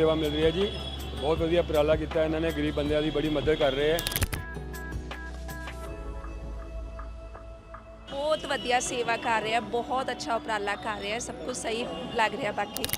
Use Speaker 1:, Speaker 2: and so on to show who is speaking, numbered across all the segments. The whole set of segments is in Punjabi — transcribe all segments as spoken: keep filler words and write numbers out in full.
Speaker 1: सेवा मिल रही है जी। बहुत वधिया उपराला किया इन्होंने, गरीब बंदियां दी बड़ी मदद कर रहे हैं।
Speaker 2: बहुत वधिया सेवा कर रहे हैं, बहुत अच्छा उपराला कर रहे हैं, सब कुछ सही लग रहा। बाकी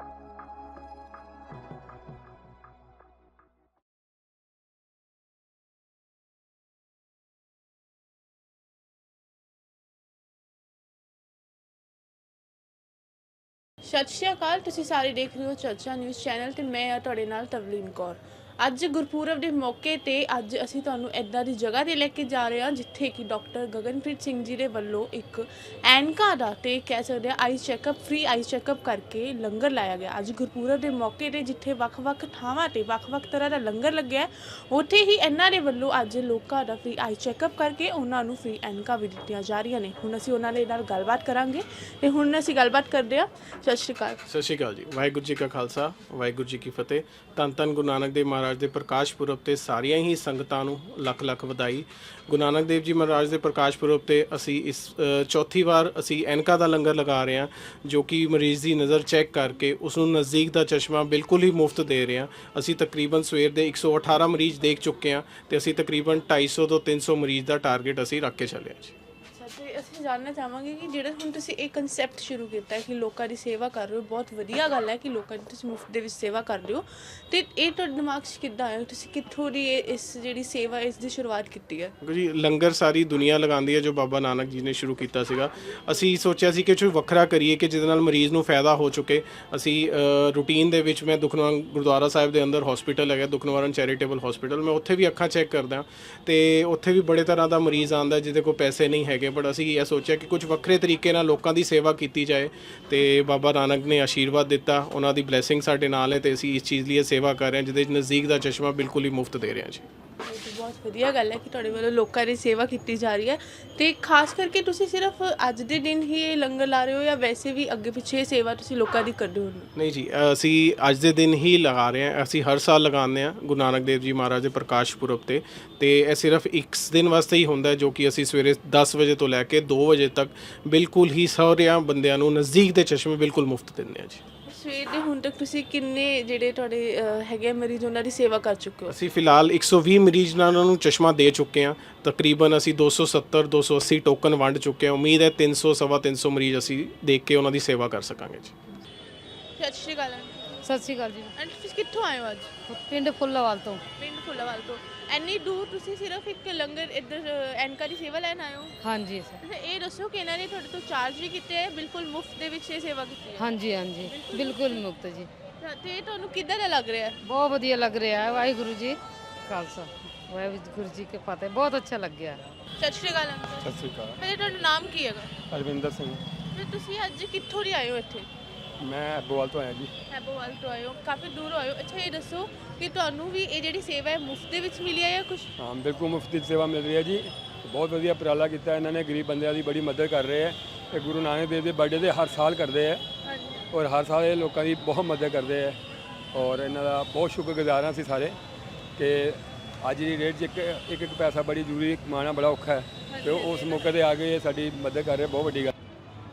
Speaker 3: ਸਤਿ ਸ਼੍ਰੀ ਅਕਾਲ। ਤੁਸੀਂ ਸਾਰੇ ਦੇਖ ਰਹੇ ਹੋ ਚਰਚਾ ਨਿਊਜ਼ ਚੈਨਲ ਤੇ ਮੈਂ ਆ ਤੁਹਾਡੇ ਨਾਲ ਤਵਲੀਨ ਕੌਰ। ਅੱਜ ਗੁਰਪੁਰਬ ਦੇ ਮੌਕੇ ਤੇ ਅੱਜ ਅਸੀਂ ਤੁਹਾਨੂੰ ਇੱਦਾਂ ਦੀ ਜਗ੍ਹਾ ਤੇ ਲੈ ਕੇ ਜਾ ਰਹੇ ਹਾਂ ਜਿੱਥੇ ਕਿ ਡਾਕਟਰ ਗਗਨਪ੍ਰੀਤ ਸਿੰਘ ਜੀ ਦੇ ਵੱਲੋਂ ਇੱਕ ਐਨਕਾ ਦਾ ਤੇ ਕਹਿ ਸਕਦੇ ਆ eye checkup free eye checkup ਕਰਕੇ ਲੰਗਰ ਲਾਇਆ ਗਿਆ। ਅੱਜ ਗੁਰਪੁਰਬ ਦੇ ਮੌਕੇ ਤੇ ਜਿੱਥੇ ਵੱਖ-ਵੱਖ ਥਾਵਾਂ ਤੇ ਵੱਖ-ਵੱਖ ਤਰ੍ਹਾਂ ਦਾ ਲੰਗਰ ਲੱਗਿਆ, ਉੱਥੇ ਹੀ ਇਹਨਾਂ ਦੇ ਵੱਲੋਂ ਅੱਜ ਲੋਕਾਂ ਦਾ ਫ੍ਰੀ ਆਈ ਚੈੱਕਅਪ ਕਰਕੇ ਉਹਨਾਂ ਨੂੰ ਫ੍ਰੀ ਐਨਕਾ ਵੀ ਦਿੱਤੀਆਂ ਜਾ ਰਹੀਆਂ ਨੇ। ਹੁਣ ਅਸੀਂ ਉਹਨਾਂ ਦੇ ਨਾਲ ਗੱਲਬਾਤ ਕਰਾਂਗੇ ਤੇ ਹੁਣ ਅਸੀਂ ਗੱਲਬਾਤ ਕਰਦੇ ਹਾਂ। ਸਤਿ ਸ਼੍ਰੀ ਅਕਾਲ।
Speaker 4: ਸਤਿ ਸ਼੍ਰੀ ਅਕਾਲ ਜੀ। ਵਾਹਿਗੁਰੂ ਜੀ ਕਾ ਖਾਲਸਾ, ਵਾਹਿਗੁਰੂ ਜੀ ਕੀ ਫਤਿਹ। ਧੰਨ ਧੰਨ ਗੁਰੂ ਨਾਨਕ ਦੇਵ ਮਹਾਰਾਜ ਦੇ ਪ੍ਰਕਾਸ਼ ਪੁਰਬ ਤੇ ਸਾਰੀਆਂ ਹੀ ਸੰਗਤਾਂ ਨੂੰ ਲੱਖ ਲੱਖ ਵਧਾਈ। ਗੁਰੂ ਨਾਨਕ ਦੇਵ ਜੀ ਮਹਾਰਾਜ ਦੇ ਪ੍ਰਕਾਸ਼ ਪੁਰਬ ਤੇ ਅਸੀਂ ਇਸ ਚੌਥੀ ਵਾਰ ਅਸੀਂ ਐਨਕਾ ਦਾ ਲੰਗਰ ਲਗਾ ਰਹੇ ਹਾਂ, ਜੋ ਕਿ ਮਰੀਜ਼ ਦੀ ਨਜ਼ਰ ਚੈੱਕ ਕਰਕੇ ਉਸ ਨੂੰ ਨਜ਼ਦੀਕ ਦਾ ਚਸ਼ਮਾ ਬਿਲਕੁਲ ਹੀ ਮੁਫਤ ਦੇ ਰਹੇ ਹਾਂ। ਅਸੀਂ ਤਕਰੀਬਨ ਸਵੇਰ ਦੇ ਇੱਕ ਸੌ ਅਠਾਰਾਂ ਮਰੀਜ਼ ਦੇਖ ਚੁੱਕੇ ਹਾਂ ਤੇ ਅਸੀਂ ਤਕਰੀਬਨ ਢਾਈ ਸੌ ਤੋਂ ਤਿੰਨ ਸੌ ਮਰੀਜ਼ ਦਾ ਟਾਰਗੇਟ ਅਸੀਂ ਰੱਖ ਕੇ ਚੱਲੇ ਹਾਂ ਜੀ।
Speaker 3: ਤੇ ਅਸੀਂ ਜਾਣਨਾ ਚਾਹਾਂਗੇ ਕਿ ਜਿਹੜਾ ਹੁਣ ਤੁਸੀਂ ਇਹ ਕਨਸੈਪਟ ਸ਼ੁਰੂ ਕੀਤਾ ਹੈ ਕਿ ਲੋਕਾਂ ਦੀ ਸੇਵਾ ਕਰ ਰਹੇ ਹੋ, ਬਹੁਤ ਵਧੀਆ ਗੱਲ ਹੈ ਕਿ ਲੋਕਾਂ ਦੀ ਤੁਸੀਂ ਮੁਫਤ ਦੇ ਵਿੱਚ ਸੇਵਾ ਕਰ ਰਹੇ ਹੋ। ਤੇ ਇਹ ਤੁਹਾਡੇ ਦਿਮਾਗ 'ਚ ਕਿੱਦਾਂ ਆਇਆ, ਤੁਸੀਂ ਕਿੱਥੋਂ ਦੀ ਇਹ ਇਸ ਜਿਹੜੀ ਸੇਵਾ ਇਸ ਦੀ ਸ਼ੁਰੂਆਤ ਕੀਤੀ ਹੈ?
Speaker 4: ਜੀ ਲੰਗਰ ਸਾਰੀ ਦੁਨੀਆ ਲਗਾਉਂਦੀ ਹੈ, ਜੋ ਬਾਬਾ ਨਾਨਕ ਜੀ ਨੇ ਸ਼ੁਰੂ ਕੀਤਾ ਸੀਗਾ। ਅਸੀਂ ਸੋਚਿਆ ਸੀ ਕਿ ਕੁਝ ਵੱਖਰਾ ਕਰੀਏ ਕਿ ਜਿਹਦੇ ਨਾਲ ਮਰੀਜ਼ ਨੂੰ ਫਾਇਦਾ ਹੋ ਚੁੱਕੇ। ਅਸੀਂ ਰੂਟੀਨ ਦੇ ਵਿੱਚ ਮੈਂ ਦੁਖਨਿਵਾਰਨ ਗੁਰਦੁਆਰਾ ਸਾਹਿਬ ਦੇ ਅੰਦਰ ਹਸਪੀਟਲ ਹੈਗਾ ਦੁਖਨਿਵਾਰਨ ਚੈਰੀਟੇਬਲ ਹਸਪੀਟਲ, ਮੈਂ ਉੱਥੇ ਵੀ ਅੱਖਾਂ ਚੈੱਕ ਕਰਦਾ ਤੇ ਉੱਥੇ ਵੀ ਬੜੇ ਤਰ੍ਹਾਂ ਦਾ ਮਰੀਜ਼ ਆਉਂਦਾ ਜਿਹਦੇ ਕੋਲ ਪੈਸੇ ਨਹੀਂ ਹੈਗੇ, ਬਟ ਅਸੀਂ ਇਹ ਸੋਚਿਆ ਕਿ ਕੁਝ ਵੱਖਰੇ ਤਰੀਕੇ ਨਾਲ ਲੋਕਾਂ ਦੀ ਸੇਵਾ ਕੀਤੀ ਜਾਏ ਤੇ ਬਾਬਾ ਨਾਨਕ ਨੇ ਆਸ਼ੀਰਵਾਦ ਦਿੱਤਾ, ਉਹਨਾਂ ਦੀ ਬਲੇਸਿੰਗ ਸਾਡੇ ਨਾਲ ਹੈ ਤੇ ਅਸੀਂ ਇਸ ਚੀਜ਼ ਲਈ ਸੇਵਾ ਕਰ ਰਹੇ ਹਾਂ ਜਿਹਦੇ ਨਜ਼ਦੀਕ ਦਾ ਚਸ਼ਮਾ ਬਿਲਕੁਲ ਹੀ ਮੁਫਤ ਦੇ ਰਹੇ ਹਾਂ ਜੀ।
Speaker 3: ਬਹੁਤ ਵਧੀਆ ਗੱਲ ਹੈ ਕਿ ਤੁਹਾਡੇ ਵੱਲੋਂ ਲੋਕਾਂ ਦੀ ਸੇਵਾ ਕੀਤੀ ਜਾ ਰਹੀ ਹੈ। ਤੇ ਖਾਸ ਕਰਕੇ ਤੁਸੀਂ ਸਿਰਫ ਅੱਜ ਦੇ ਦਿਨ ਹੀ ਇਹ ਲੰਗਰ ਲਾ ਰਹੇ ਹੋ ਜਾਂ ਵੈਸੇ ਵੀ ਅੱਗੇ ਪਿੱਛੇ ਸੇਵਾ ਤੁਸੀਂ ਲੋਕਾਂ ਦੀ ਕਰਦੇ ਹੋ?
Speaker 4: ਨਹੀਂ ਜੀ, ਅਸੀਂ ਅੱਜ ਦੇ ਦਿਨ ਹੀ ਲਗਾ ਰਹੇ ਹਾਂ। ਅਸੀਂ ਹਰ ਸਾਲ ਲਗਾਉਂਦੇ ਹਾਂ ਗੁਰੂ ਨਾਨਕ ਦੇਵ ਜੀ ਮਹਾਰਾਜ ਦੇ ਪ੍ਰਕਾਸ਼ ਪੁਰਬ ਤੇ ਤੇ ਇਹ ਸਿਰਫ ਇੱਕ ਦਿਨ ਵਾਸਤੇ ਹੀ ਹੁੰਦਾ, ਜੋ ਕਿ ਅਸੀਂ ਸਵੇਰੇ ਦਸ ਵਜੇ ਤੋਂ ਲੈ ਕੇ ਦੋ ਵਜੇ ਤੱਕ ਬਿਲਕੁਲ ਹੀ ਸਾਰਿਆਂ ਬੰਦਿਆਂ ਨੂੰ ਨਜ਼ਦੀਕ ਦੇ ਚਸ਼ਮੇ ਬਿਲਕੁਲ ਮੁਫਤ ਦਿੰਦੇ ਹਾਂ ਜੀ।
Speaker 3: ਸਵੇਰ ਦੇ ਹੁਣ ਤੱਕ ਤੁਸੀਂ ਕਿੰਨੇ ਜਿਹੜੇ ਤੁਹਾਡੇ ਹੈਗੇ ਮਰੀਜ਼ ਉਹਨਾਂ ਦੀ ਸੇਵਾ ਕਰ ਚੁੱਕੇ ਹੋ?
Speaker 4: ਅਸੀਂ ਫਿਲਹਾਲ ਇੱਕ ਸੌ ਵੀਹ ਮਰੀਜ਼ ਨਾਲ ਉਹਨਾਂ ਨੂੰ ਚਸ਼ਮਾ ਦੇ ਚੁੱਕੇ ਹਾਂ। ਤਕਰੀਬਨ ਅਸੀਂ ਦੋ ਸੌ ਸੱਤਰ ਦੋ ਸੌ ਅੱਸੀ ਟੋਕਨ ਵੰਡ ਚੁੱਕੇ ਹਾਂ। ਉਮੀਦ ਹੈ ਤਿੰਨ ਸੌ ਸਵਾ ਤਿੰਨ ਸੌ ਮਰੀਜ਼ ਅਸੀਂ ਦੇਖ ਕੇ ਉਹਨਾਂ ਦੀ ਸੇਵਾ ਕਰ ਸਕਾਂਗੇ ਜੀ।
Speaker 3: ਸਤਿ ਸ਼੍ਰੀ ਅਕਾਲ।
Speaker 5: ਸਤਿ ਸ਼੍ਰੀ ਅਕਾਲ ਜੀ।
Speaker 3: ਐਂਡ ਤੁਸੀਂ ਕਿੱਥੋਂ ਆਏ ਹੋ ਅੱਜ?
Speaker 5: ਪਿੰਡ ਫੁੱਲਾਵਾਲ ਤੋਂ।
Speaker 3: ਪਿੰਡ ਫੁੱਲਾਵਾਲ ਤੋਂ। ਇੰਨੀ ਦੂਰ ਤੁਸੀਂ ਸਿਰਫ ਇੱਕ ਲੰਗਰ ਇੱਧਰ ਐਨਕਾ ਦੀ ਸੇਵਾ ਲੈਣ ਆਏ ਹੋ?
Speaker 5: ਹਾਂਜੀ ਸਰ।
Speaker 3: ਅੱਛਾ, ਇਹ ਦੱਸੋ ਕਿ ਇਹਨਾਂ ਨੇ ਤੁਹਾਡੇ ਤੋਂ ਚਾਰਜ ਵੀ ਕੀਤੇ ਹੈ, ਬਿਲਕੁਲ ਮੁਫਤ ਦੇ ਵਿੱਚ ਇਹ ਸੇਵਾ ਕੀਤੀ ਹੈ?
Speaker 5: ਹਾਂਜੀ ਹਾਂਜੀ ਬਿਲਕੁਲ ਮੁਕਤ ਜੀ।
Speaker 3: ਤੇ ਤੁਹਾਨੂੰ ਕਿੱਦਾਂ ਦਾ ਲੱਗ ਰਿਹਾ ਹੈ?
Speaker 5: ਬਹੁਤ ਵਧੀਆ ਲੱਗ ਰਿਹਾ ਹੈ। ਵਾਹਿਗੁਰੂ ਜੀ ਖਾਲਸਾ, ਵਾਹਿਗੁਰੂ ਜੀ ਕੀ ਫਤਿਹ। ਬਹੁਤ ਅੱਛਾ ਲੱਗਿਆ।
Speaker 3: ਸਤਿ ਸ਼੍ਰੀ ਅਕਾਲ ਅੰਕਲ।
Speaker 1: ਸਤਿ ਸ੍ਰੀ ਅਕਾਲ।
Speaker 3: ਮੇਰੇ ਤੁਹਾਡਾ ਨਾਮ ਕੀ ਹੈਗਾ?
Speaker 1: ਅਰਵਿੰਦਰ ਸਿੰਘ।
Speaker 3: ਤੇ ਤੁਸੀਂ ਅੱਜ ਕਿੱਥੋਂ ਦੀ ਆਏ ਹੋ ਇੱਥੇ?
Speaker 1: मैं अब्बोवाल तो आया जी।
Speaker 3: ਹੈਬੋਵਾਲ ਤੋਂ ਆਏ ਹੋ, ਕਾਫੀ ਦੂਰ ਆਏ ਹੋ। ਅੱਛਾ, ਇਹ ਦੱਸੋ ਕਿ ਤੁਹਾਨੂੰ ਵੀ ਇਹ ਜਿਹੜੀ ਸੇਵਾ ਹੈ ਮੁਫਤ ਦੇ ਵਿੱਚ ਮਿਲੀ ਹੈ ਜਾਂ ਕੁਝ?
Speaker 1: हाँ बिल्कुल मुफ्त सेवा मिल रही है जी। बहुत वधिया उपराला किया इन्होंने, गरीब बंदियां दी बड़ी मदद कर रहे हैं। ये गुरु नानक देव के बर्थडे ते हर साल करते हैं
Speaker 3: ਹਾਂਜੀ।
Speaker 1: और हर साल ये लोगों की बहुत मदद करते हैं और इन्हों का बहुत शुक्रगुजार हाँ असीं सारे कि अज की डेट च एक एक एक पैसा बड़ी जरूरी कमाना बड़ा औखा है, तो उस मौके पर आके ये साडी मदद कर रहे, बहुत वड्डी गल।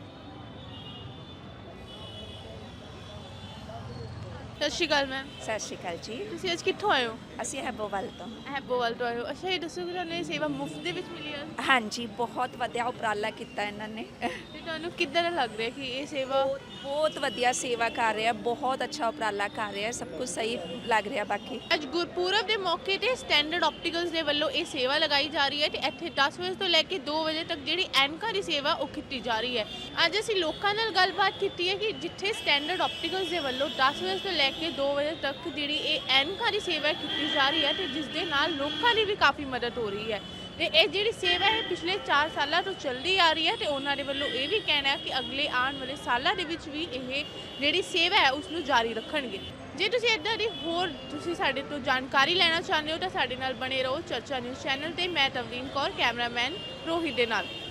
Speaker 3: ਸਤਿ ਸ਼੍ਰੀ ਅਕਾਲ ਮੈਮ।
Speaker 2: ਸਤਿ ਸ਼੍ਰੀ ਅਕਾਲ ਜੀ।
Speaker 3: ਤੁਸੀਂ ਅੱਜ ਕਿੱਥੋਂ ਆਏ ਹੋ?
Speaker 2: ਅਸੀਂ ਹੈਬੋਵਾਲ ਤੋਂ।
Speaker 3: ਹੈਬੋਵਾਲ ਤੋਂ ਆਏ ਹੋ। ਅੱਛਾ, ਇਹ ਦੱਸੋ ਕਿ ਤੁਹਾਨੂੰ ਇਹ ਸੇਵਾ ਮੁਫਤ ਦੇ ਵਿੱਚ ਮਿਲੀ ਹੈ?
Speaker 2: ਹਾਂਜੀ, ਬਹੁਤ ਵਧੀਆ ਉਪਰਾਲਾ ਕੀਤਾ ਇਹਨਾਂ ਨੇ।
Speaker 3: ਤੇ ਤੁਹਾਨੂੰ ਕਿੱਦਾਂ ਦਾ ਲੱਗ ਰਿਹਾ ਕਿ ਇਹ ਸੇਵਾ?
Speaker 2: ਬਹੁਤ ਵਧੀਆ ਸੇਵਾ ਕਰ ਰਹੇ ਆ, ਬਹੁਤ ਅੱਛਾ ਉਪਰਾਲਾ ਕਰ ਰਹੇ ਆ, ਸਭ ਕੁਝ ਸਹੀ ਲੱਗ ਰਿਹਾ। ਬਾਕੀ
Speaker 3: ਅੱਜ ਗੁਰਪੁਰਬ ਦੇ ਮੌਕੇ ਤੇ ਸਟੈਂਡਰਡ ਆਪਟੀਕਲਸ ਦੇ ਵੱਲੋਂ ਇਹ ਸੇਵਾ ਲਗਾਈ ਜਾ ਰਹੀ ਹੈ ਤੇ ਇੱਥੇ ਦਸ ਵਜੇ ਤੋਂ ਲੈ ਕੇ ਦੋ ਵਜੇ ਤੱਕ ਜਿਹੜੀ ਐਨਕਾ ਦੀ ਸੇਵਾ ਉਹ ਕੀਤੀ ਜਾ ਰਹੀ ਹੈ। ਅੱਜ ਅਸੀਂ ਲੋਕਾਂ ਨਾਲ ਗੱਲਬਾਤ ਕੀਤੀ ਹੈ ਕਿ ਜਿੱਥੇ ਸਟੈਂਡਰਡ ਆਪਟੀਕਲਸ ਦੇ ਵੱਲੋਂ ਦਸ ਵਜੇ ਤੋਂ ਲੈ ਕੇ ਦੋ ਵਜੇ ਤੱਕ ਜਿਹੜੀ ਇਹ ਐਨਕਾ ਦੀ ਸੇਵਾ ਕੀਤੀ ਜਾ ਰਹੀ ਹੈ ਤੇ ਜਿਸ ਦੇ ਨਾਲ ਲੋਕਾਂ ਦੀ ਵੀ ਕਾਫੀ ਮਦਦ ਹੋ ਰਹੀ ਹੈ। ਤੇ ਇਹ ਜਿਹੜੀ ਸੇਵਾ ਹੈ ਪਿਛਲੇ ਚਾਰ ਸਾਲਾਂ ਤੋਂ ਚੱਲਦੀ ਆ ਰਹੀ ਹੈ ਤੇ ਉਹਨਾਂ ਦੇ ਵੱਲੋਂ ਇਹ ਵੀ ਕਹਿਣਾ ਹੈ ਕਿ ਅਗਲੇ ਆਉਣ ਵਾਲੇ ਸਾਲਾਂ ਦੇ ਵਿੱਚ ਵੀ ਇਹ ਜਿਹੜੀ ਸੇਵਾ ਹੈ ਉਸ ਨੂੰ ਜਾਰੀ ਰੱਖਣਗੇ। ਜੇ ਤੁਸੀਂ ਇੱਦਾਂ ਦੀ ਹੋਰ ਤੁਸੀਂ ਸਾਡੇ ਤੋਂ ਜਾਣਕਾਰੀ ਲੈਣਾ ਚਾਹੁੰਦੇ ਹੋ ਤਾਂ ਸਾਡੇ ਨਾਲ ਬਣੇ ਰਹੋ ਚਰਚਾ ਨਿਊਜ਼ ਚੈਨਲ ਤੇ। ਮੈਂ ਤਵਲੀਨ ਕੌਰ, ਕੈਮਰਾਮੈਨ ਰੋਹਿਤ ਦੇ ਨਾਲ।